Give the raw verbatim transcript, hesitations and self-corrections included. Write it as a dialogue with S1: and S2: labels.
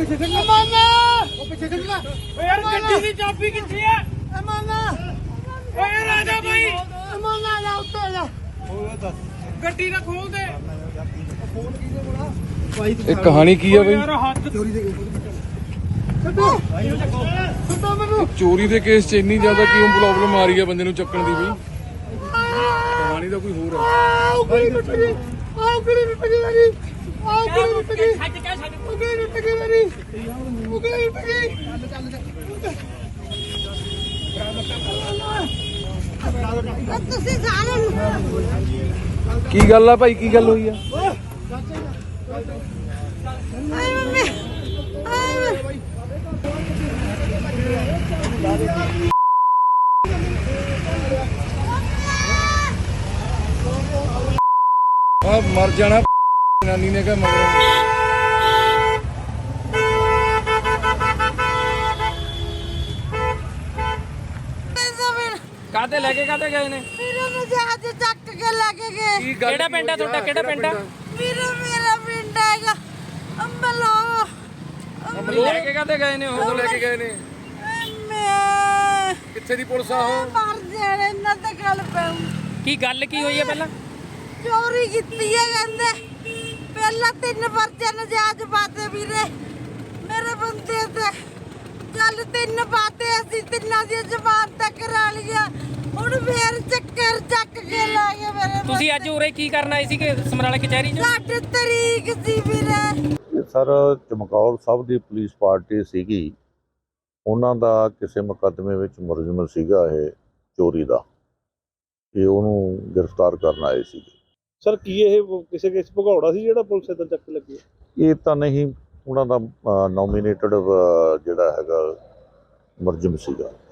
S1: ਪਿੱਛੇ ਖੜਨਾ ਮਾਨਾ ਉਹ ਪਿੱਛੇ ਖੜਨਾ ਓ ਯਾਰ ਗੱਡੀ ਦੀ ਚਾਬੀ ਕਿੱਥੇ ਆ ਮਾਨਾ ਓ ਯਾਰ ਆ ਜਾ ਬਾਈ ਮਾਨਾ ਆ ਉੱਤੇ ਜਾ ਉਹ ਦੱਸ ਗੱਡੀ ਨਾ ਖੋਲ ਦੇ ਫੋਨ ਕਿਹਦੇ ਕੋਲ ਭਾਈ
S2: ਇਹ ਕਹਾਣੀ ਕੀ ਆ ਬਈ?
S1: ਯਾਰ ਹੱਥ ਚੋਰੀ ਦੇ ਛੱਡੋ ਛੱਡੋ ਮੈਨੂੰ।
S2: ਚੋਰੀ ਦੇ ਕੇਸ 'ਚ ਇੰਨੀ ਜ਼ਿਆਦਾ ਕਿਉਂ ਪ੍ਰੋਬਲਮ ਆ ਰਹੀ ਹੈ ਬੰਦੇ ਨੂੰ ਚੱਕਣ ਦੀ ਬਈ? ਕਹਾਣੀ ਤਾਂ ਕੋਈ ਹੋਰ ਹੈ।
S1: ਆਹ ਕੁੜੀ ਟੁੱਟ ਗਈ ਆਹ ਕੁੜੀ ਟੁੱਟ ਗਈ ਮੇਰੀ ਆਹ ਕੁੜੀ ਟੁੱਟ ਗਈ ਛੱਡ ਕੇ ਛੱਡ ਕੁੜੀ ਟੁੱਟ ਗਈ ਮੇਰੀ ਕੁੜੀ ਟੁੱਟ ਗਈ ਚੱਲ ਚੱਲ ਤੁਸੀਂ ਸਾਰੇ
S2: ਕੀ ਗੱਲ ਆ ਭਾਈ, ਕੀ ਗੱਲ ਹੋਈ ਆ?
S1: ਆਏ ਮੰਮੀ ਆਏ
S2: ਆ ਮਰ ਜਾਣਾ ਨਾਨੀ ਨੇ ਕਿਹਾ ਮਗਰ।
S3: ਕਾਹਤੇ ਲੈ ਕੇ ਕਾਹਤੇ ਗਏ ਨੇ?
S1: ਵੀਰੇ ਨੂੰ ਜਹਾਜ਼ ਚੱਕ ਕੇ ਲੈ ਕੇ ਗਏ।
S3: ਕਿਹੜਾ ਪਿੰਡ ਆ ਤੁਹਾਡਾ? ਕਿਹੜਾ ਪਿੰਡ ਆ?
S1: ਵੀਰੇ ਮੇਰਾ ਪਿੰਡ ਹੈਗਾ ਅੰਬਲੋ।
S3: ਲੈ ਕੇ ਕਾਹਤੇ ਗਏ ਨੇ? ਉਹ
S2: ਲੈ ਕੇ ਗਏ ਨੇ
S1: ਮੈਂ
S2: ਕਿੱਥੇ ਦੀ ਪੁਲਿਸ ਆ ਉਹ?
S1: ਮਰ ਜਾਣਾ ਇਹਨਾਂ ਤੇ ਗੱਲ ਪੈਉ।
S3: ਕੀ ਗੱਲ ਕੀ ਹੋਈ ਹੈ ਪਹਿਲਾਂ?
S1: ਚੋਰੀ ਕੀਤੀ ਹੈ ਕਹਿੰਦੇ। ਪਹਿਲਾਂ ਤਿੰਨ ਪਰਚੇ ਨਜਾਇਜ਼ ਪਾਤੇ ਵੀਰੇ ਮੇਰੇ ਬੰਦੇ ਤੇ। ਚੱਲ ਤਿੰਨ ਪਾਤੇ ਅਸੀਂ ਤਿੰਨਾਂ ਦੀ ਜ਼ਬਾਨ ਤੱਕ ਕਰਾ ਲਿਆ। ਹੁਣ ਫੇਰ ਚੱਕਰ ਚੱਕ ਕੇ ਲਾ ਗਏ ਮੇਰੇ।
S3: ਤੁਸੀਂ ਅੱਜ ਉਰੇ ਕੀ ਕਰਨ ਆਏ ਸੀ ਕਿ ਸਮਰਾਲਾ ਕਚਹਿਰੀ 'ਚ?
S1: ਸਾਡੀ ਤਰੀਕ ਸੀ ਵੀਰੇ।
S4: ਸਰ ਚਮਕੌਰ ਸਾਹਿਬ ਦੀ ਪੁਲਿਸ ਪਾਰਟੀ ਸੀਗੀ, ਉਹਨਾਂ ਦਾ ਕਿਸੇ ਮੁਕੱਦਮੇ ਵਿੱਚ ਮੁਲਜ਼ਮ ਸੀਗਾ ਇਹ ਚੋਰੀ ਦਾ, ਇਹ ਉਹਨੂੰ ਗ੍ਰਿਫਤਾਰ ਕਰਨ ਆਏ ਸੀ।
S5: ਸਰ ਕੀ ਇਹ ਕਿਸੇ ਕੇਸ ਭਗੌੜਾ ਸੀ ਜਿਹੜਾ ਪੁਲਿਸ ਇੱਧਰ ਚੱਕ ਲੱਗੀ?
S4: ਇਹ ਤਾਂ ਨਹੀਂ, ਉਹਨਾਂ ਦਾ ਨੋਮੀਨੇਟਡ ਜਿਹੜਾ ਹੈਗਾ ਮੁਲਜ਼ਮ ਸੀਗਾ।